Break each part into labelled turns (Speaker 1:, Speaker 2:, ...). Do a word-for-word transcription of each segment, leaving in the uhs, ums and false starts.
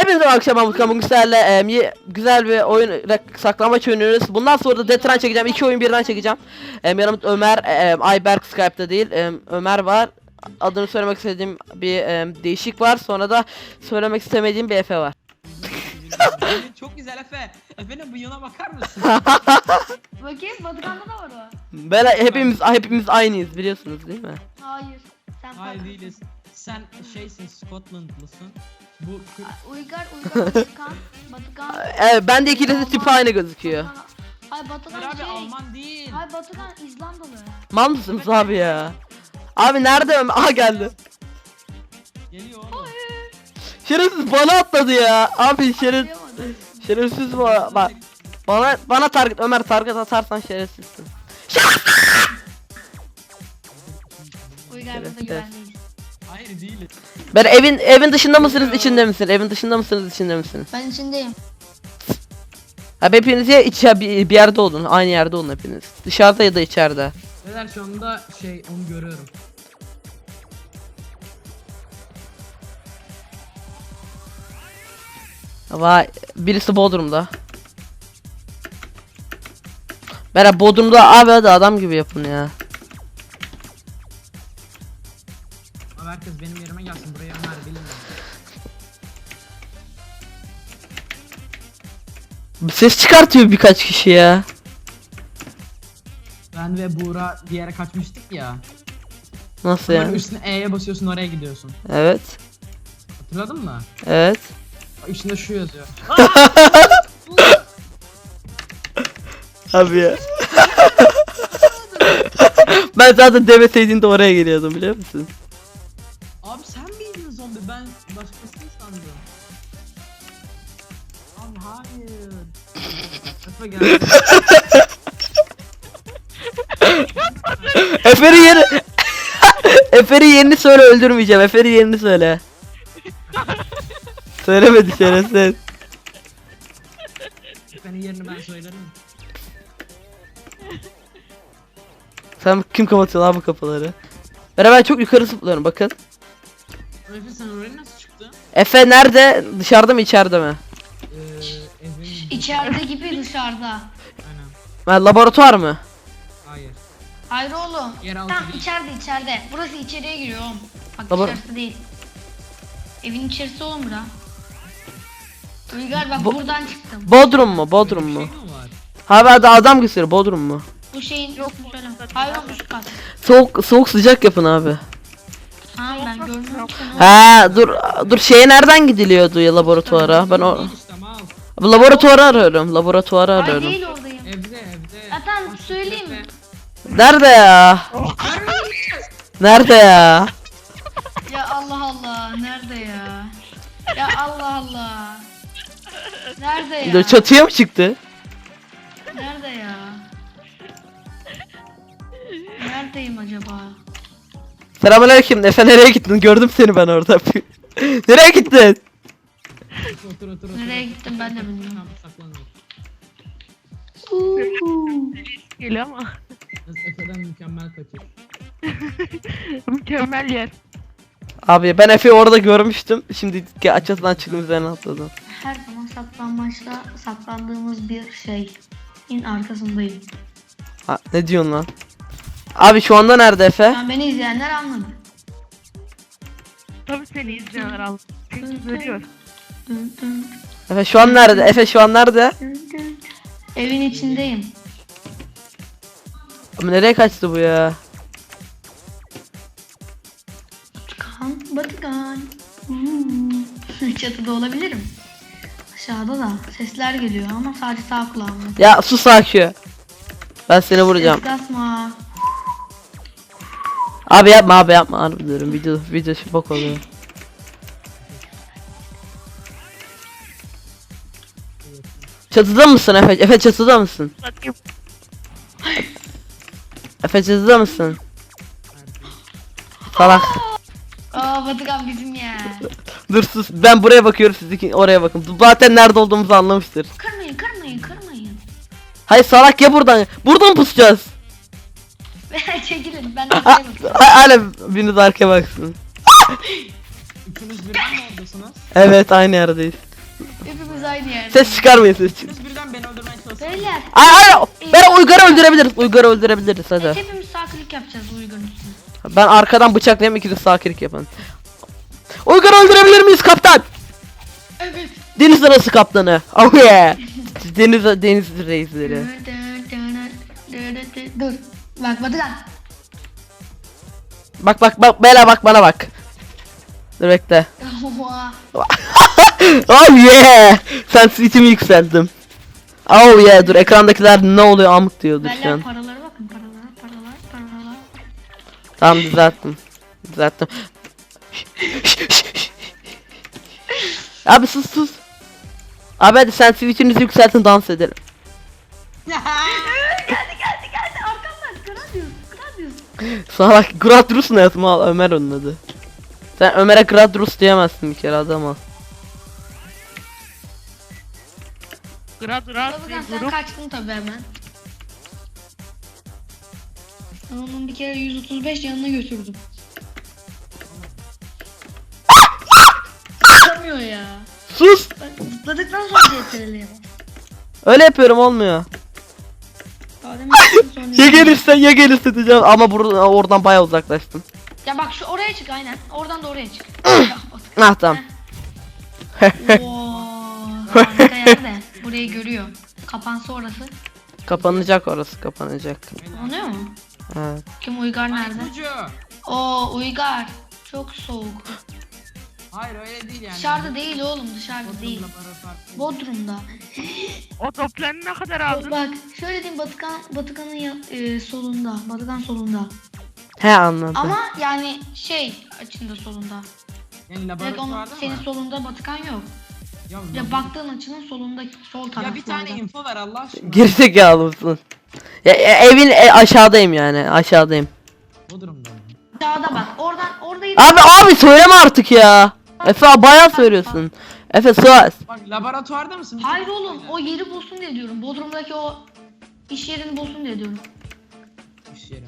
Speaker 1: Hepinize akşam Amutkan bugün sizlerle e, ye- güzel bir oyun saklambaç oynuyoruz. Bundan sonra da Detran çekeceğim. İki oyun birden çekeceğim. E, yanımda Ömer, e, Ayberk Skype'da değil. E, Ömer var. Adını söylemek istediğim bir e, değişik var. Sonra da söylemek istemediğim bir Efe var.
Speaker 2: Çok güzel Efe. Efe'nin bıyığına bakar mısın?
Speaker 3: Bakayım Batıkan'da da var o.
Speaker 1: Böyle hepimiz hepimiz aynıyız biliyorsunuz değil mi?
Speaker 3: Hayır. Sen
Speaker 2: Hayır
Speaker 3: farklı.
Speaker 2: değiliz. Sen şeysin, Scotlandlısın. Bu kı-
Speaker 3: Uygar, Uygar, Batıkan, Batıkan.
Speaker 1: E, bende ikilisi tipi aynı gözüküyor.
Speaker 3: Batıkan- Ay Batıkan
Speaker 2: Hayır abi
Speaker 3: şey.
Speaker 2: Alman değil.
Speaker 3: Ay Batıkan İzlandalı.
Speaker 1: Mal mısınız abi ya? Abi nerede Ömer? Aha geldi.
Speaker 2: Geliyor oğlum.
Speaker 1: Şerefsiz bana atladı ya. Abi şeref
Speaker 3: Atlayamadım.
Speaker 1: şerefsiz bu. Bak. Bana bana target Ömer target atarsan şerefsizsin.
Speaker 3: Uygar burada
Speaker 1: Evet,
Speaker 3: güvendeyiz.
Speaker 2: Hayır değiliz.
Speaker 1: Ben evin evin dışında mısınız içinde misiniz? Evin dışında mısınız içinde misiniz?
Speaker 3: Ben içindeyim.
Speaker 1: Abi hepiniz ya iç ya bir, bir yerde olun. Aynı yerde olun hepiniz. Dışarıda ya da içeride.
Speaker 2: Neler şu anda şey onu görüyorum.
Speaker 1: Vay birisi Bodrum'da. Merhaba Bodrum'da abi hadi adam gibi yapın ya.
Speaker 2: Abi herkes benim yerime gelsin, buraya Ömer bilmiyorum.
Speaker 1: Ses çıkartıyor birkaç kişi ya.
Speaker 2: Ben ve Buğra bir yere kaçmıştık ya.
Speaker 1: Nasıl
Speaker 2: Sonra
Speaker 1: yani?
Speaker 2: üstüne E'ye basıyorsun, oraya gidiyorsun.
Speaker 1: Evet.
Speaker 2: Hatırladın mı?
Speaker 1: Evet.
Speaker 2: Üstünde şu yazıyor.
Speaker 1: Abi ya. Ben zaten demeseydin de oraya geliyordum biliyor musun?
Speaker 2: Abi sen miydin zombi? Ben başkasını sandım. Abi hayır. Efe geldi.
Speaker 1: Efe'nin yeri... Efe'nin yerini söyle öldürmeyeceğim. Efe'nin yerini söyle. Söylemedi şerefsiz.
Speaker 2: Efe'nin yerini ben söylerim.
Speaker 1: Sen kim kapatıyor lan bu kapıları? Ben ben çok yukarı zıplıyorum bakın.
Speaker 2: Efe sen oraya nasıl çıktın?
Speaker 1: Efe nerede? Dışarıda mı içeride mi?
Speaker 2: Ee, Efe'nin...
Speaker 3: İçeride gibi dışarıda.
Speaker 2: Aynen.
Speaker 1: Ben laboratuvar mı?
Speaker 2: Hayır.
Speaker 3: Hayır oğlum.
Speaker 2: Yeraltı
Speaker 3: Tamam
Speaker 2: değil.
Speaker 3: içeride içeride. Burası içeriye giriyor oğlum. Bak
Speaker 1: Baba-
Speaker 3: dışarısı değil. Evin içerisi oğlum bura. Uygar bak
Speaker 1: Bu-
Speaker 3: buradan çıktım.
Speaker 1: Bodrum mu? Bodrum
Speaker 2: Böyle bir
Speaker 1: mu?
Speaker 2: şey mi var?
Speaker 1: Abi hadi adam gösteriyor Bodrum mu?
Speaker 3: Bu şeyin yok mu söyle. Hayır oğlum üst kat.
Speaker 1: Soğuk soğuk sıcak yapın abi.
Speaker 3: Ha ben görmüyorum seni.
Speaker 1: Ha dur dur şeye nereden gidiliyordu ya laboratuvara? Ben o
Speaker 2: Değil işte mal.
Speaker 1: Abi, laboratuvarı arıyorum. Laboratuvarı
Speaker 3: Ay
Speaker 1: arıyorum.
Speaker 3: değil oradayım.
Speaker 2: Evde evde.
Speaker 3: Ya tamam,
Speaker 2: Başka
Speaker 3: söyleyeyim mi?
Speaker 2: Efe.
Speaker 1: Nerede ya? Nerede ya?
Speaker 3: Ya Allah Allah nerede ya? Ya Allah Allah. Nerede ya?
Speaker 1: Dur, çatıya mı çıktı?
Speaker 3: Nerede ya? Neredeyim acaba?
Speaker 1: Selamünaleyküm. Efe nereye gittin? Gördüm seni ben orada. Nereye gittin?
Speaker 2: Otur otur otur.
Speaker 3: Nereye
Speaker 2: otur.
Speaker 3: gittim ben de bilmiyorum.
Speaker 2: Tamam, saklanıyor.
Speaker 4: Geliyor ama
Speaker 2: Biz Efe'den mükemmel kaçır.
Speaker 4: mükemmel yer.
Speaker 1: Abi ben Efe'yi orada görmüştüm. Şimdi açısından çıktım üzerine atladım.
Speaker 3: Her zaman saklanmaçta saklandığımız bir şeyin arkasındayım.
Speaker 1: Ha, ne diyorsun lan? Abi şu anda nerede Efe?
Speaker 3: Yani beni izleyenler anladı.
Speaker 4: Tabii seni izleyenler al. Çünkü görüyor.
Speaker 3: Dın dın
Speaker 1: Efe şu an nerede? Efe şu an nerede?
Speaker 3: dın dın. Evin içindeyim.
Speaker 1: Abi nereye kaçtı bu ya?
Speaker 3: Batıkan, Batıkan. Hmm. Çatıda olabilirim. Aşağıda da sesler geliyor ama sadece sağ kulağımda.
Speaker 1: Ya sus Akü. Ben seni vuracağım.
Speaker 3: Ses kasma.
Speaker 1: Abi yapma abi yapma harbi diyorum. Video video şu bok oluyor. Çatıda mısın Efe? Efe çatıda mısın?
Speaker 4: Bakayım.
Speaker 1: Efe çatıda mısın? Salak.
Speaker 3: Aa Batıkan bizim ya.
Speaker 1: Dur sus. Ben buraya bakıyorum siz iki oraya bakın. Zaten nerede olduğumuzu anlamıştır.
Speaker 3: Kırmayın kırmayın kırmayın.
Speaker 1: Hayır salak ya buradan. Buradan pusacağız.
Speaker 3: Çekilin ben de buraya bakıyorum.
Speaker 1: Hala biriniz arkaya baksın.
Speaker 2: Üçünüz birden mi oradasınız?
Speaker 1: Evet aynı yerdeyiz.
Speaker 3: aynı yerde.
Speaker 1: Ses çıkarmayın, ses çık.
Speaker 2: Siz birden beni öldürmeye çalışın.
Speaker 3: Beyler.
Speaker 1: Ay ay ben Uygar'ı öldürebiliriz. Uygar'ı öldürebiliriz hadi.
Speaker 3: Hepimiz sağ klik yapacağız Uygar'ın üstüne.
Speaker 1: Ben arkadan bıçaklayayım, ikiniz sağ klik yapın. Uygar'ı öldürebilir miyiz kaptan?
Speaker 3: Evet.
Speaker 1: Deniz arası kaptanı. Oh yeah. Deniz deniz reisleri.
Speaker 3: Dur. Bak Batıkan.
Speaker 1: Bak bak bak Bela bak bana bak. Dur bekle. Oh yeah. Sen switch'imi yükselttim. Oh yeah, dur ekrandakiler ne oluyor amık diyordur şu
Speaker 3: Beyler
Speaker 1: an.
Speaker 3: paralara bakın, paralara, paralar, paralar.
Speaker 1: Tamam düzelttim. Düzelttim. Abi sus sus. Abi hadi sen switch'inizi yükseltin, dans edelim.
Speaker 3: geldi geldi geldi arkamdan. Gradius, Gradius.
Speaker 1: Sana bak Gradrus ne yazma al, Ömer onun adı. Sen Ömer'e Gradrus diyemezsin bir kere, adam al.
Speaker 4: Grad Grad
Speaker 3: Batıkan
Speaker 4: bir
Speaker 3: sen
Speaker 4: grup.
Speaker 3: kaçtın tabi hemen. Ben onun bir kere yüz otuz beş yanına götürdüm. Çıkamıyor ya.
Speaker 1: Sus.
Speaker 3: Ben zıpladıktan sonra C T R'ye bak.
Speaker 1: Öyle yapıyorum, olmuyor.
Speaker 3: Daha demin çıktım sonra-
Speaker 1: Ya gelirsen ya gelirse diyeceğim ama buradan oradan bayağı uzaklaştım.
Speaker 3: Ya bak şu oraya çık aynen. Oradan da oraya çık. Ya, Batıkan.
Speaker 1: Ah tamam.
Speaker 3: Oo, harika yerde. Burayı görüyor. Kapansa orası.
Speaker 1: Kapanacak orası, kapanacak.
Speaker 3: Kapanıyor mu?
Speaker 1: Evet.
Speaker 3: Kim Uygar nerede?
Speaker 2: Ucu.
Speaker 3: Oo Uygar. Çok soğuk.
Speaker 2: Hayır öyle değil yani.
Speaker 3: Dışarıda değil oğlum, dışarıda değil. Bodrum'da.
Speaker 4: O toplarını ne kadar aldın?
Speaker 3: Bak şöyle diyeyim, Batıkan Batıkan'ın ya- e, solunda. Batıkan solunda.
Speaker 1: He anladım.
Speaker 3: Ama yani şey açında solunda.
Speaker 2: Yani
Speaker 3: Direkt onun
Speaker 2: laboratuvarda
Speaker 3: senin
Speaker 2: mı?
Speaker 3: solunda Batıkan yok.
Speaker 2: Ya,
Speaker 3: Ya baktığın açının solunda, sol taraflarda.
Speaker 2: ya bir tane info ver Allah aşkına.
Speaker 1: Gerizekalı mısın? Ya, ya evin e, aşağıdayım yani, aşağıdayım.
Speaker 2: Bu durumda mı?
Speaker 3: Sağda bak. Oradan oradaydı.
Speaker 1: Abi abi söyleme artık ya. Efe bayağı söylüyorsun. Efe sus.
Speaker 2: Bak laboratuvarda mısın? Bir
Speaker 3: Hayır
Speaker 2: tek
Speaker 3: oğlum,
Speaker 2: söyle.
Speaker 3: o yeri bulsun diye diyorum. Bodrum'daki o iş yerini bulsun diye diyorum.
Speaker 2: İş yeri mi?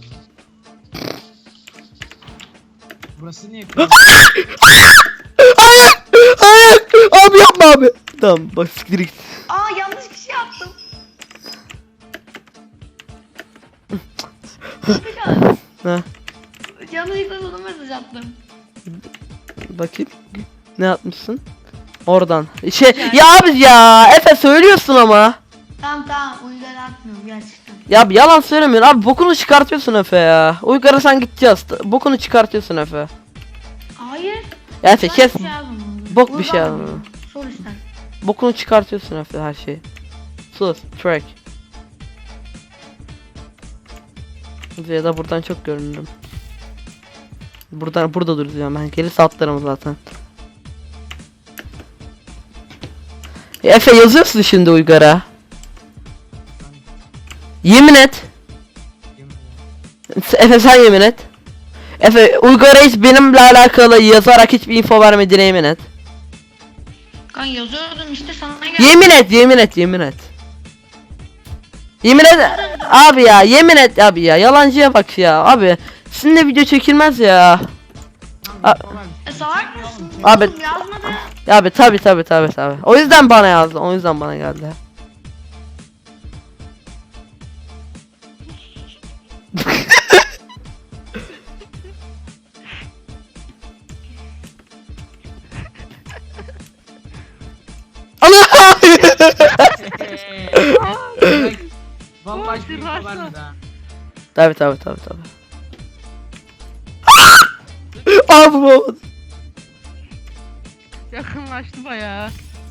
Speaker 2: Burası niye?
Speaker 1: Hayır. Hayır. Abi yapma abi. Tamam bak siktir git.
Speaker 3: Aa yanlış kişi yaptım. Batıkan,
Speaker 1: Ha,
Speaker 3: yanlışlıkla sana mesaj attım.
Speaker 1: bakayım. Ne yapmışsın? Oradan. Şey ya abi ya. Efe söylüyorsun ama.
Speaker 3: Tamam tamam, Uygar atmıyorum gerçekten.
Speaker 1: Ya abi yalan söylemiyorsun abi, bokunu çıkartıyorsun Efe ya. Uygar'a sen gideceğiz. Bokunu çıkartıyorsun Efe.
Speaker 3: Hayır.
Speaker 1: Ya Efe
Speaker 3: ben
Speaker 1: kes.
Speaker 3: bir şey yazmadım.
Speaker 1: Bok bir
Speaker 3: Uygar
Speaker 1: şey
Speaker 3: da
Speaker 1: yazmadım.
Speaker 3: biliyor. Sor ister.
Speaker 1: Bokunu çıkartıyorsun Efe her şeyi. Sus. Track. Ya da buradan çok görünürüm. Buradan burada duracağım ben. Gelirse atlarım zaten. Ya Efe yazıyorsun şimdi Uygar'a. Yemin et. Efe sen yemin et. Efe Uygar'a hiç benimle alakalı yazarak hiçbir info vermediğine yemin et.
Speaker 3: Kan yazıyordum işte sana geldi.
Speaker 1: Yemin et, yemin et, yemin et. Yemin et abi ya, yemin et abi ya. Yalancıya bak ya abi. Sizinle video çekilmez ya. A-
Speaker 3: E, salak mısın?
Speaker 1: Abi-
Speaker 3: Oğlum yazmadı.
Speaker 1: Ya abi tabi tabi tabi tabi. O yüzden bana yazdı. O yüzden bana geldi. Allah!
Speaker 2: Vallahi hiçbir info
Speaker 4: Başla.
Speaker 2: vermedi ha.
Speaker 1: Tabi tabi tabi tabi. Abi bu.
Speaker 4: Yakınlaştı bayağı.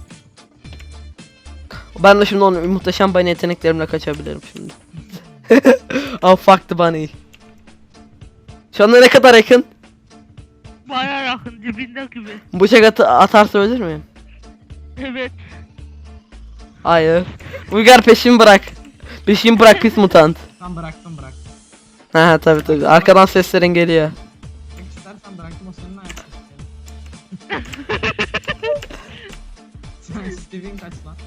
Speaker 1: Ben de şimdi onun muhteşem bunny yeteneklerimle kaçabilirim şimdi. Oh fuck the bunny. Şu anda ne kadar yakın?
Speaker 4: Bayağı yakın dibinde gibi.
Speaker 1: Bıçak atı atarsa ölür müyüm?
Speaker 4: Evet.
Speaker 1: Hayır. Uygar peşimi bırak. Peşimi bırak pis mutant.
Speaker 2: Tam bıraktım bıraktım.
Speaker 1: Ha tabi tabi. Arkadan seslerin geliyor.
Speaker 2: Tek istersen bıraktım o senin ayakta. Sen Steve'in kaç lan?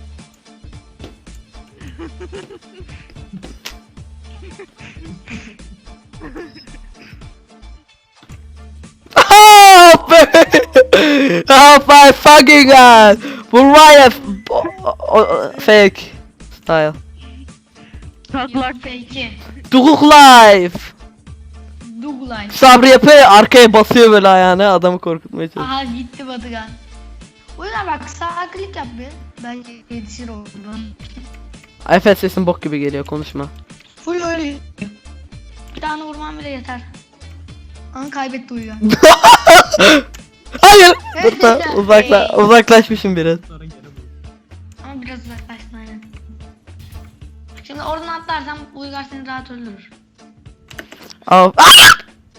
Speaker 1: Oh, oh my fucking god! Bu var ya f- o- o- o- fake style.
Speaker 4: Taklak.
Speaker 3: Peki.
Speaker 1: Duguk life.
Speaker 3: Douglas.
Speaker 1: Sabri yapıyor ya, arkaya basıyor böyle ayağına adamı korkutmaya çalışıyor.
Speaker 3: Aha gitti Batıkan. O yüzden bak sağ klik yap bir. Belki yetişir oradan.
Speaker 1: Efe sesin bok gibi geliyor, konuşma.
Speaker 3: Full öyle. Bir tane vurmam bile yeter. Ama kaybetti Uygar.
Speaker 1: Hayır. Burada uzakla uzaklaşmışım biraz.
Speaker 2: Sonra geri bul.
Speaker 3: Ama biraz uzaklaştın aynen. Şimdi oradan atlarsan Uygar seni rahat öldürür.
Speaker 1: Al. Ah!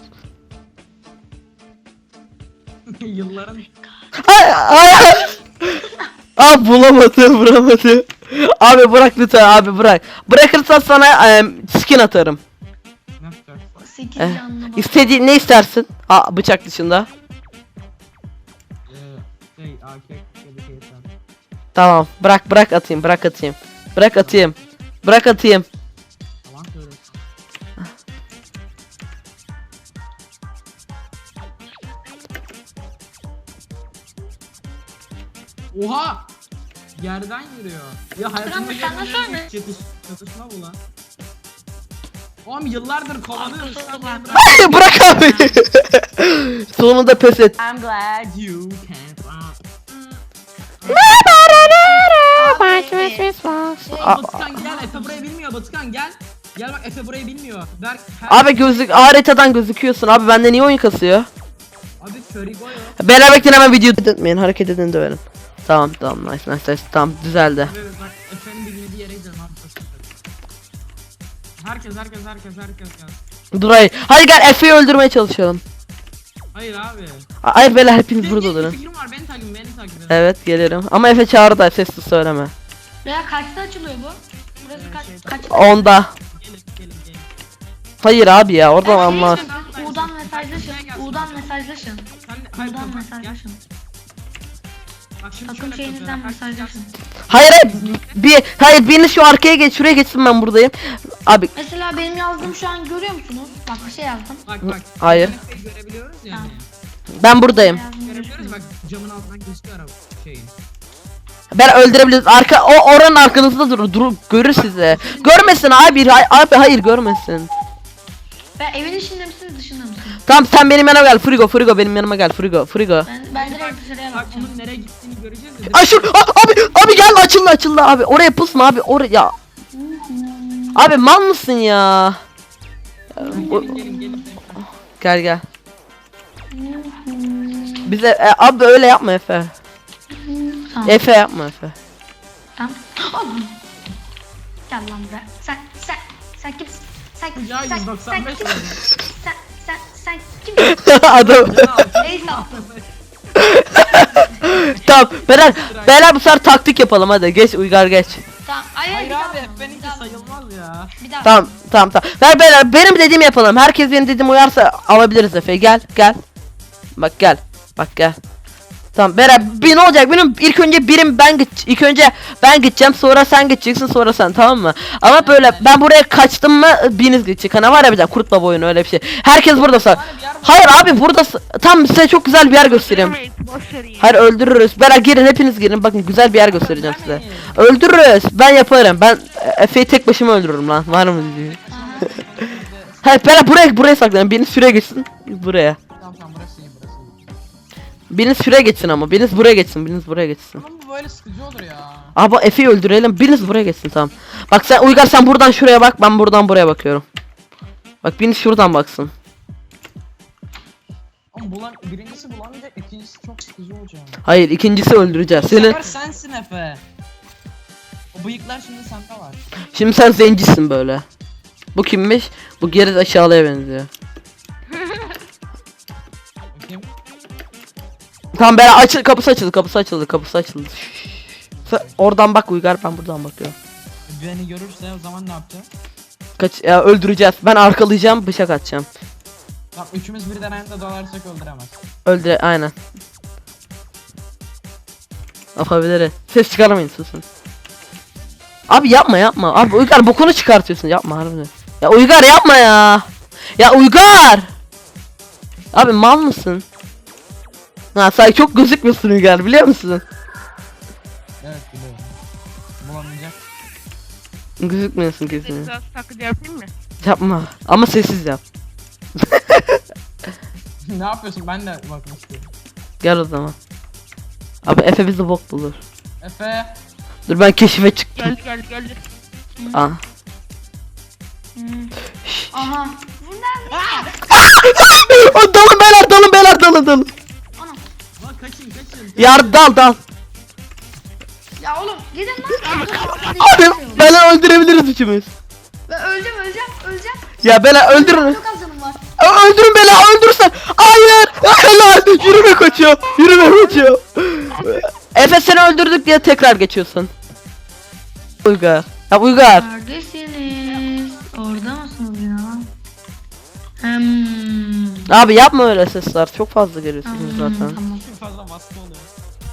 Speaker 2: Yılların
Speaker 1: Ay, ay. Abi bulamadı, vuramadı. Abi bırak lütfen, abi bırak. Bırakırsan sana em, skin atarım.
Speaker 2: ne yapacaksın?
Speaker 3: sekiz
Speaker 1: Eh,
Speaker 3: canlı bak.
Speaker 1: İstediğin ne istersin? Ha, bıçak dışında.
Speaker 2: Ee, şey A K ya da şey sen.
Speaker 1: Tamam, bırak bırak atayım, bırak atayım. Bırak atayım. Bırak atayım.
Speaker 2: Yalan söylüyorsun. Oha! Yerden yürüyor. Ya hayatımda
Speaker 3: Batıkan, sen nasıl
Speaker 2: görmediğim
Speaker 3: öyle?
Speaker 2: bir çatış, çatışma bu lan. Oğlum yıllardır kovalıyoruz.
Speaker 3: Arkası
Speaker 2: Sen
Speaker 3: var.
Speaker 2: beni bırak.
Speaker 1: Hayır, bırak abi. Sonunda pes et.
Speaker 2: I'm glad you can't run.
Speaker 3: Abi,
Speaker 2: Batıkan gel, Efe burayı bilmiyor Batıkan gel. Gel bak Efe burayı bilmiyor. Berk her...
Speaker 1: Abi gözlük haritadan gözüküyorsun. Abi bende niye oyun kasıyor?
Speaker 2: Abi Körigo yok.
Speaker 1: Beraber bekleyin, hemen video etmeyin. Hareket edin döverim. Tamam tamam, nice nice nice. Tamam, düzeldi.
Speaker 2: Evet bak Efe'nin bilmediği yere gidelim abi. Herkes herkes herkes herkes gel.
Speaker 1: Dur hayır. Hadi gel Efe'yi öldürmeye çalışalım.
Speaker 2: Hayır abi.
Speaker 1: Hayır beyler, hepiniz
Speaker 2: Benim
Speaker 1: burada
Speaker 2: bir
Speaker 1: durun.
Speaker 2: fikrim var beni takip edin beni takip edin.
Speaker 1: Evet gelirim. Ama Efe çağırdı da sesli söyleme.
Speaker 3: Veya kaçta açılıyor bu? Burası kaç, kaçta?
Speaker 1: Onda.
Speaker 2: Gelin gelin gelin.
Speaker 1: Hayır abi ya, oradan
Speaker 3: Evet,
Speaker 1: anlar.
Speaker 3: işte siz U'dan mesajlaşın. U'dan mesajlaşın.
Speaker 2: Sen hayır
Speaker 3: U'dan
Speaker 2: kapat gel.
Speaker 3: mesajlaşın.
Speaker 2: Bak şimdi
Speaker 3: Takım
Speaker 2: şöyle
Speaker 3: şeyinizden
Speaker 2: yapacağız.
Speaker 3: mesajlaşın.
Speaker 1: Hayır hayır. Bir, hayır biriniz şu arkaya geç, şuraya geçsin, ben buradayım. Abi
Speaker 3: Mesela benim yazdığım şu an görüyor musunuz? Bak bir şey yazdım.
Speaker 2: Bak bak.
Speaker 1: Hayır.
Speaker 2: Efe'yi görebiliyoruz yani.
Speaker 1: ben buradayım.
Speaker 3: Yazdım,
Speaker 2: Görebiliyoruz bak camın altından gözüküyor araba şeyin.
Speaker 1: Ben öldürebiliriz. Arka o oranın arkanızda durur. Dur, görür sizi. Görmesin abi. hay- Abi hayır, görmesin.
Speaker 3: Ben evin içinde misiniz dışında mısınız?
Speaker 1: Tamam sen benim yanıma gel. Frigo Frigo benim yanıma gel. Frigo Frigo.
Speaker 3: Ben, ben direkt dışarıya
Speaker 2: Bak
Speaker 3: bakacağım.
Speaker 2: bunun nereye gittiğini göreceğiz de.
Speaker 1: Ay şu a- abi abi gel, açıldı açıldı abi. Oraya pusma abi. Oraya. Abi mal mısın ya? O-
Speaker 2: Gelin gelin gelin.
Speaker 1: Gel gel. Bize e, abi öyle yapma Efe.
Speaker 3: Tamam.
Speaker 1: Efe yapma Efe.
Speaker 3: Tamam. Oh! Gel lan buraya. Sen sen sen kimsin? Sen
Speaker 2: Ya
Speaker 3: sen,
Speaker 2: yüz doksan
Speaker 3: sen
Speaker 2: beş
Speaker 3: kimsin? Sen sen sen kimsin?
Speaker 1: Adam.
Speaker 3: Neyse attım.
Speaker 1: Tamam. Beyler, beyler bu sefer taktik yapalım hadi. Geç Uygar geç.
Speaker 3: Tamam. Hayır,
Speaker 2: Hayır
Speaker 3: bir daha
Speaker 2: abi
Speaker 3: vuralım,
Speaker 2: Efe'ninki
Speaker 3: bir daha vuralım,
Speaker 2: sayılmaz ya.
Speaker 3: Bir daha.
Speaker 1: Tamam tamam tamam. Ver beyler, benim dediğimi yapalım. Herkes benim dediğime uyarsa alabiliriz Efe. Gel gel. Bak gel. Bak gel. Tamam beyler, bir ne olacak? Benim ilk önce birim ben git. İlk önce ben gideceğim, sonra sen gideceksin, sonra sen, tamam mı? Ama böyle ben buraya kaçtım mı biriniz gidecek. Hani var ya bir tane kurt baba oyunu, öyle bir şey. Herkes burada sar. Hayır abi burada tam size çok güzel bir yer göstereyim.
Speaker 4: Boş verin ya.
Speaker 1: Hayır öldürürüz. Beyler girin, hepiniz girin. Bakın güzel bir yer göstereceğim size. Öldürürüz. Ben yaparım. Ben e, Efe'yi tek başıma öldürürüm lan. Var mı diyor. Hayır beyler buraya buraya saklanın. Biriniz şuraya geçsin. Buraya.
Speaker 2: Tamam tamam burası iyi burası iyi.
Speaker 1: Biriniz şuraya geçsin ama. Biriniz buraya geçsin. Biriniz buraya geçsin.
Speaker 2: Ama bu böyle sıkıcı olur ya.
Speaker 1: Abi Efe'yi öldürelim. Biriniz buraya geçsin, tamam. Bak sen Uygar, sen buradan şuraya bak. Ben buradan buraya bakıyorum. Bak biriniz şuradan baksın.
Speaker 2: Ama bulan, birincisi bulamayacak, ikincisi çok sıkıcı olacak.
Speaker 1: Hayır, ikincisi öldüreceğiz.
Speaker 2: Bu
Speaker 1: Seni.
Speaker 2: sefer sensin Efe. O bıyıklar şimdi sende var.
Speaker 1: Şimdi sen zencisin böyle. Bu kimmiş? Bu geri aşağıya benziyor.
Speaker 2: Bakayım.
Speaker 1: Tamam beyler, açıl, kapısı açıldı, kapısı açıldı, kapısı açıldı. Sen oradan bak Uygar, ben buradan bakıyorum.
Speaker 2: Beni görürse o zaman ne yapacağız?
Speaker 1: Kaç ya, öldüreceğiz. Ben arkalayacağım, bıçak atacağım.
Speaker 2: Bak üçümüz birden aynı anda dalarsak öldüremez.
Speaker 1: Öldüre aynen. Yapabiliriz. Ses çıkarmayın, susun. Abi yapma yapma. Abi Uygar bokunu çıkartıyorsun. Yapma harbiden. Ya Uygar yapma ya. Ya Uygar. Abi mal mısın? Ha sen çok gözükmüyorsun Uygar, biliyor musun?
Speaker 2: Evet biliyorum. Bulamayacak.
Speaker 1: Gözükmüyorsun kesin.
Speaker 4: Sessiz taklidi yapayım mı?
Speaker 1: Yapma. Ama sessiz yap.
Speaker 2: Ne yapıyorsun? Ben de bakmak istiyorum.
Speaker 1: Gel o zaman. Abi Efe bizi bok bulur.
Speaker 2: Efe.
Speaker 1: Dur ben keşife çıktım.
Speaker 4: Geldi geldi geldi.
Speaker 1: Aa.
Speaker 3: Hmm. Aha. Bunlar
Speaker 1: O dalın beyler dalın beyler dalın dalın.
Speaker 2: Lan kaçın kaçın.
Speaker 1: Yar dal dal.
Speaker 3: ya oğlum gidin lan.
Speaker 1: Abi beyler öldürebiliriz üçümüz.
Speaker 3: Ben öleceğim öleceğim öleceğim.
Speaker 1: Ya beyler öldürün.
Speaker 3: Çok az canım var.
Speaker 1: Ö- Öldürün beni öldürürsen. Hayır. Helal. Yürüme kaçıyor. Yürüme kaçıyor. Efe seni öldürdük diye tekrar geçiyorsun. Uygar. Ya Uygar.
Speaker 3: Neredesiniz? Orada mısınız yine lan? Hmm.
Speaker 1: Abi yapma öyle sesler. Çok fazla geliyorsunuz
Speaker 3: Hmm,
Speaker 1: zaten.
Speaker 3: Tamam.
Speaker 2: Çok fazla baskı oluyor.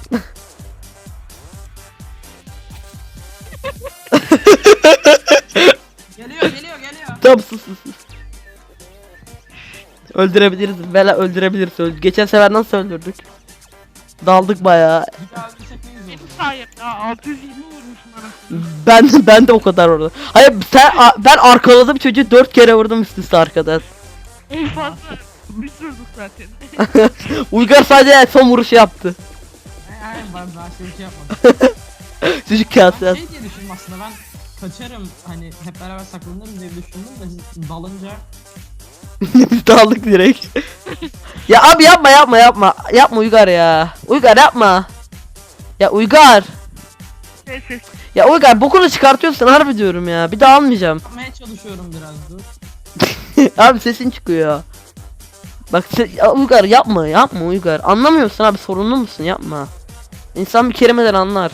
Speaker 2: Geliyor geliyor geliyor.
Speaker 1: Tamam sus sus sus. Öldürebiliriz. Bela öldürebiliriz. Öldü. Geçen sefer nasıl öldürdük? Daldık bayağı.
Speaker 2: Bir daha öldürsek ne güzel olur.
Speaker 4: Hayır ya altı yüz yirmi vurmuşum anasını.
Speaker 1: Ben ben de o kadar orada. Hayır sen a- ben arkaladım çocuğu dört kere vurdum üst üste arkadan.
Speaker 4: En fazla biz vurduk zaten.
Speaker 1: Uygar sadece son vuruşu yaptı.
Speaker 2: Hayır ben daha şey, şey yapmadım.
Speaker 1: Çocuk
Speaker 2: Ben
Speaker 1: kase.
Speaker 2: şey diye düşündüm aslında ben kaçarım hani hep beraber saklanırım diye düşündüm de siz dalınca
Speaker 1: Biz daldık direkt. Ya abi yapma yapma yapma. Yapma Uygar ya. Uygar yapma. Ya Uygar.
Speaker 4: Ses ses.
Speaker 1: Ya Uygar bokunu çıkartıyorsun harbi diyorum ya. Bir daha almayacağım.
Speaker 2: yapmaya çalışıyorum biraz dur.
Speaker 1: Abi sesin çıkıyor. Bak se- ya Uygar yapma yapma Uygar. Anlamıyorsun abi sorunlu musun yapma. İnsan bir kelimeden anlar.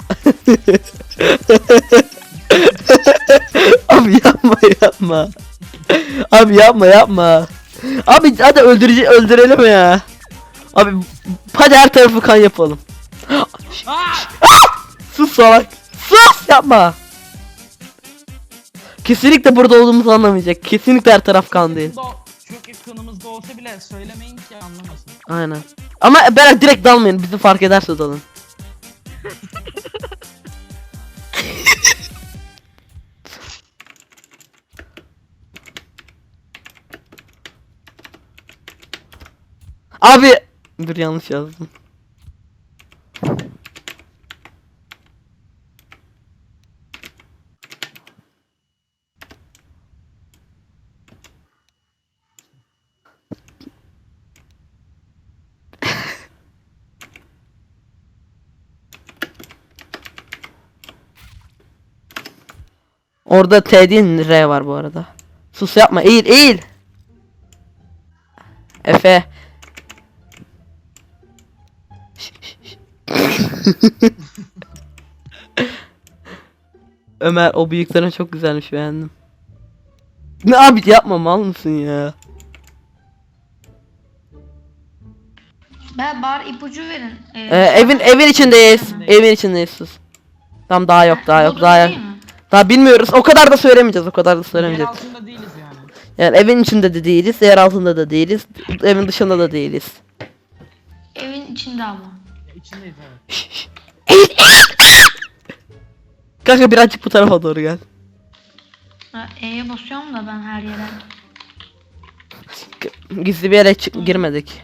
Speaker 1: Abi yapma yapma. Abi yapma yapma. Abi hadi öldürücü öldürelim ya. Abi hadi her tarafı kan yapalım.
Speaker 2: Aa!
Speaker 1: Sus salak. Sus yapma. Kesinlikle burada olduğumuzu anlamayacak. Kesinlikle her taraf kan değil.
Speaker 2: Yakında o- Çok yakınımızda olsa bile söylemeyin ki anlamasın.
Speaker 1: Aynen. Ama ben direkt dalmayın. Bizi fark ederse dalın. Abi dur yanlış yazdım. Orada T değil R var bu arada. Sus yapma eğil eğil. Efe. Şş, şş, şş. Ömer o bıyıkların çok güzelmiş beğendim. Ne abi yapma mal mısın ya?
Speaker 3: Ben bari ipucu verin. Ee,
Speaker 1: Ee, evin evin içindeyiz. Evin içindeyiz sus. Tamam daha yok daha yok
Speaker 3: Bodrum
Speaker 1: daha yok.
Speaker 3: değil mi?
Speaker 1: Daha bilmiyoruz. O kadar da söylemeyeceğiz. O kadar da
Speaker 2: Yer
Speaker 1: söylemeyeceğiz.
Speaker 2: altında değiliz yani.
Speaker 1: Yani evin içinde de değiliz, yer altında da değiliz, evin dışında da değiliz.
Speaker 3: Evin içinde ama.
Speaker 2: Ya içindeyiz evet.
Speaker 1: Şş, şş. Kanka birazcık bu tarafa doğru gel.
Speaker 3: Ha, E'ye basıyorum da ben her yere.
Speaker 1: Gizli bir yere çık girmedik.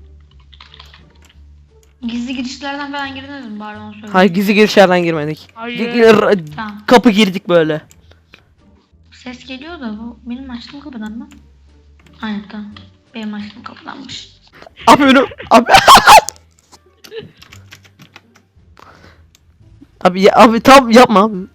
Speaker 3: Gizli girişlerden falan girdiniz mi bari onu söyle.
Speaker 1: Hayır gizli girişlerden girmedik.
Speaker 4: Hayır.
Speaker 1: Gi-
Speaker 3: Tamam.
Speaker 1: Kapı girdik böyle.
Speaker 3: Ses geliyor da bu benim açtığım kapıdan mı? Aynen tamam. Benim açtığım kapıdanmış.
Speaker 1: Abi önüm abi. Abi ya, abi tam yapma abi.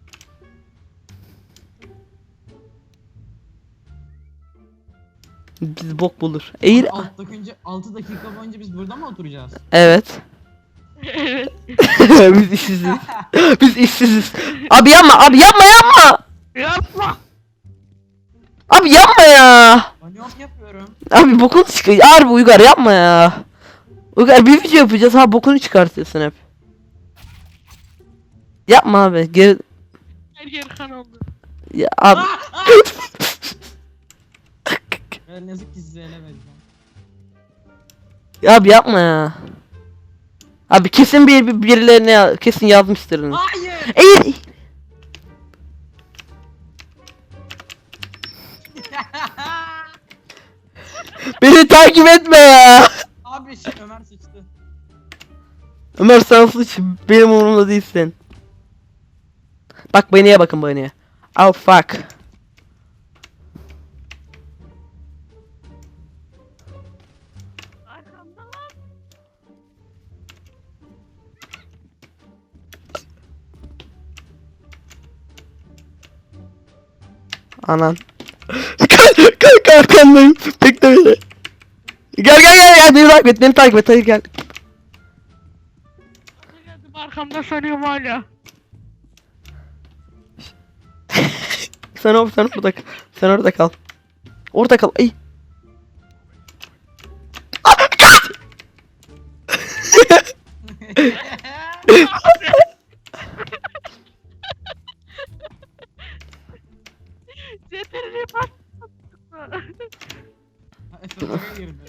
Speaker 1: Biz bok bulur. Eğil.
Speaker 2: Abi alt dakika, altı dakika boyunca biz burada mı oturacağız?
Speaker 1: Evet.
Speaker 4: Evet.
Speaker 1: Biz işsiziz. Biz işsiziz. Abi yapma abi yapma yapma.
Speaker 4: Yapma.
Speaker 1: Abi yapma ya.
Speaker 2: Ben yok yapıyorum.
Speaker 1: Abi bokunu çıkar. Harbi Uygar yapma ya. Uygar bir video yapacağız ha bokunu çıkartıyorsun hep. Yapma abi. Geri...
Speaker 4: Her yer kan oldu.
Speaker 1: Ya abi.
Speaker 2: Ben ne yazık ki size ele vereceğim.
Speaker 1: Abi yapma ya. Abi kesin bir, bir birilerine ya- kesin yazmıştır.
Speaker 2: Hayır.
Speaker 1: Eğil. Beni takip etme ya.
Speaker 2: Abi şey, Ömer sıçtı.
Speaker 1: Ömer sen suç benim umurumda değilsin. Bak Bunny'e bakın Bunny'e. Oh fuck.
Speaker 4: Arkamda lan.
Speaker 1: Anan. Kanka arkandayım. Bekle beni. Gel gel gel gel beni takip et beni takip et hadi gel.
Speaker 4: Geldim arkamda sanıyorum hala.
Speaker 1: Sen or sen orada kal. Sen orada kal. Orada kal. Ay. Ah, kaç!
Speaker 4: Zeterini bas.
Speaker 2: Efe buraya girdi.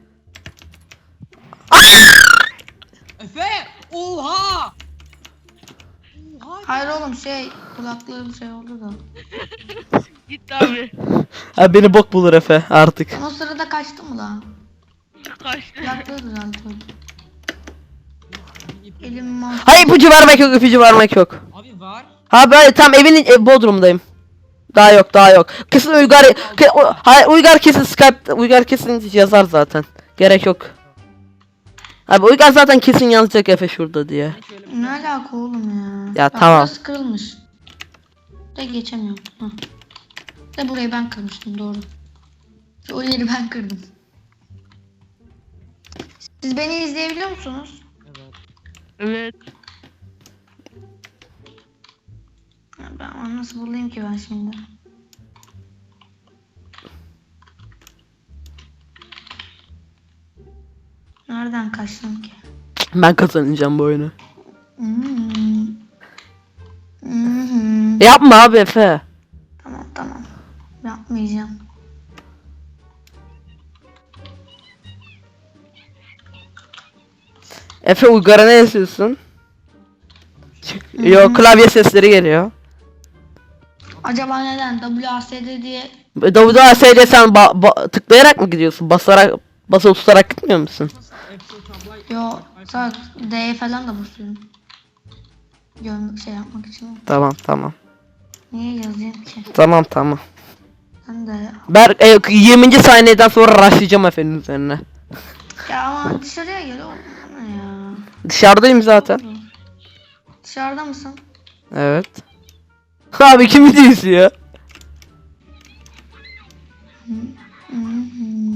Speaker 2: Efe! Oha! Oha!
Speaker 3: Hayır oğlum şey kulaklığı bir şey oldu da.
Speaker 4: Gitti abi.
Speaker 1: Ha beni bok bulur Efe artık.
Speaker 3: O sırada kaçtı mı lan?
Speaker 4: Kaçtı.
Speaker 3: Kulaklığı düzeltiyordu. Elim mal.
Speaker 1: Hayır ipucu vermek yok ipucu vermek yok.
Speaker 2: Abi var.
Speaker 1: Ha böyle tam evin e, bodrumdayım. Daha yok daha yok. Kesin Uygar ke, o, hayır Uygar kesin Skype Uygar kesin yazar zaten. Gerek yok. Abi Uygar zaten kesin yazacak Efe şurada diye.
Speaker 2: Hiç öyle bir
Speaker 3: Ne alaka oğlum ya?
Speaker 1: Ya
Speaker 3: Bak,
Speaker 1: tamam.
Speaker 3: burası kırılmış. De geçemiyorum. Hah. De burayı ben kırmıştım doğru. O yeri ben kırdım. Siz beni izleyebiliyor musunuz?
Speaker 2: Evet.
Speaker 4: Evet.
Speaker 3: Ya ben onu nasıl bulayım ki ben şimdi? Nereden kaçtım ki?
Speaker 1: Ben kazanacağım bu oyunu.
Speaker 3: Hmm. Hmm.
Speaker 1: Yapma abi Efe.
Speaker 3: Tamam tamam. Yapmayacağım.
Speaker 1: Efe Uygar'a ne yazıyorsun? Yok klavye sesleri geliyor.
Speaker 3: Acaba neden W A S D diye
Speaker 1: W A S D sen ba- ba- tıklayarak mı gidiyorsun? Basarak basılı tutarak gitmiyor musun?
Speaker 2: Nasıl Excel tablo?
Speaker 3: yo sadece D'ye falan da basıyorum. Görmek şey yapmak için.
Speaker 1: Tamam tamam.
Speaker 3: Niye yazayım ki?
Speaker 1: Tamam tamam.
Speaker 3: Ben de
Speaker 1: Ben e, yirminci saniyeden sonra rushlayacağım Efe'nin üzerine.
Speaker 3: ya ama dışarıya gel oğlum. Ne ya?
Speaker 1: Dışarıdayım zaten.
Speaker 3: Dışarıda mısın?
Speaker 1: Evet. Abi kimi diyorsun ya?
Speaker 3: Hı hı.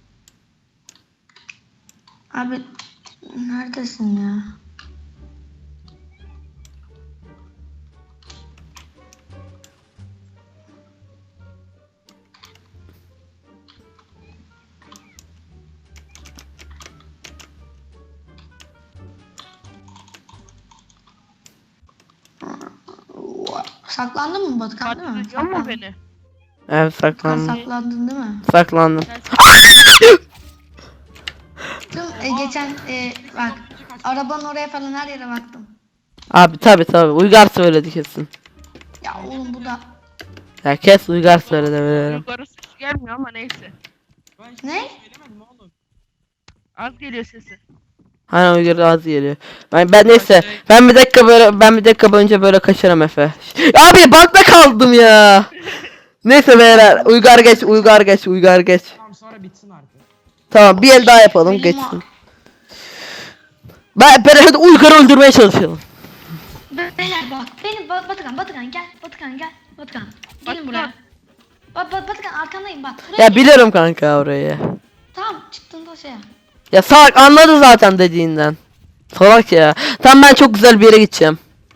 Speaker 3: Abi neredesin ya? Saklandın mı Batıkan değil mi?
Speaker 4: Kaçırıyor mu beni?
Speaker 1: Evet
Speaker 3: Sen
Speaker 1: saklandım.
Speaker 3: saklandın değil mi?
Speaker 1: Saklandım.
Speaker 3: Tüm e, geçen e, bak arabanın oraya falan her yere baktım.
Speaker 1: Abi tabi tabi Uygar söyledi kesin.
Speaker 3: Ya oğlum bu da
Speaker 1: Ya kes Uygar söyledi bilirim.
Speaker 4: Yukarı ses gelmiyor ama neyse.
Speaker 2: Ben hiç
Speaker 3: Ne?
Speaker 2: söylemedim oğlum.
Speaker 4: Az geliyor sesi.
Speaker 1: Hani Uygar az geliyor. Ben, ben neyse ben bir dakika böyle ben bir dakika boyunca böyle kaçarım Efe. Abi bakta kaldım ya. Neyse beyler Uygar geç Uygar geç Uygar geç.
Speaker 2: Tamam sonra bitsin artık.
Speaker 1: Tamam bir el daha yapalım
Speaker 3: Benim
Speaker 1: geçsin. Ben, ben hadi Uygar'ı öldürmeye çalışalım.
Speaker 3: beyler bak benim Ba- Batıkan Batıkan gel Batıkan gel Batıkan gelin
Speaker 4: Batıkan.
Speaker 3: buraya. Ba Ba- Batıkan arkandayım bak buraya
Speaker 1: Ya
Speaker 3: gel.
Speaker 1: biliyorum kanka orayı.
Speaker 3: Tamam çıktığında şey yap.
Speaker 1: Ya salak anladı zaten dediğinden. Salak ya. Tamam ben çok güzel bir yere gideceğim.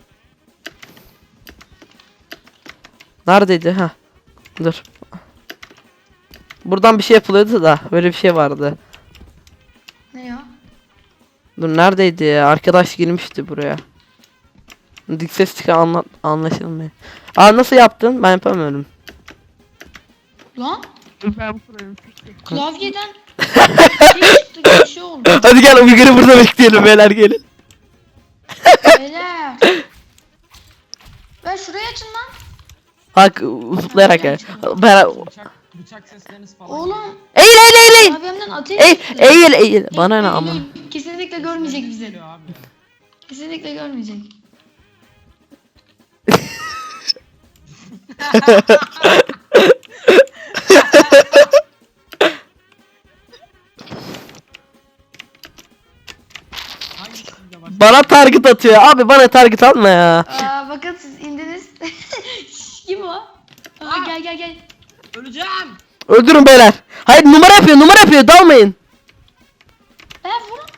Speaker 1: Neredeydi ha? Dur. Buradan bir şey yapılıyordu da böyle bir şey vardı.
Speaker 3: Ne ya?
Speaker 1: Dur neredeydi ya? Arkadaş girmişti buraya. Dik ses çıkan anla anlaşılmıyor. Aa nasıl yaptın? Ben yapamıyorum.
Speaker 3: Lan
Speaker 4: Ben kurarım peki.
Speaker 3: klavyeden bir şey çıktı gibi bir şey oldu.
Speaker 1: Hadi gel Uygar'ı burada bekleyelim beyler gelin.
Speaker 3: Beyler. Ben şurayı açın lan.
Speaker 1: Bak zıplayarak gel. Ben...
Speaker 2: Bıçak, bıçak sesleriniz falan.
Speaker 3: Oğlum.
Speaker 1: Eğil eğil eğil eğil.
Speaker 3: Abimden ateş
Speaker 1: Eğil
Speaker 3: çıktı.
Speaker 1: eğil eğil. Bana ne
Speaker 3: Eğil,
Speaker 1: ama.
Speaker 3: eğil. Kesinlikle görmeyecek bizi.
Speaker 2: Geliyor abi.
Speaker 3: Kesinlikle görmeyecek.
Speaker 2: Hangisinde bak?
Speaker 1: Bana target atıyor. Abi bana target atma ya.
Speaker 3: Aa, bakın siz indiniz. Şş, kim o? Aa, gel gel gel.
Speaker 2: Öleceğim.
Speaker 1: Öldürün beyler. Hayır numara yapıyor numara yapıyor dalmayın.
Speaker 3: Ben vurun.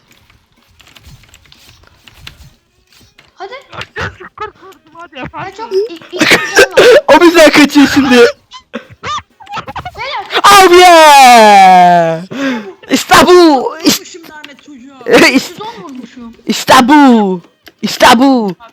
Speaker 3: Hadi.
Speaker 4: Nasıl kurtuldum hadi
Speaker 3: Ben
Speaker 4: efendim.
Speaker 3: çok iyi iyi bir canım var.
Speaker 1: O bizden kaçıyor şimdi.
Speaker 3: Beyler.
Speaker 1: Abi ya. İşte bu. İşte,
Speaker 2: Vurmuşum lanet çocuğa.
Speaker 3: yüz on vurmuşum.
Speaker 1: işte bu. İşte bu.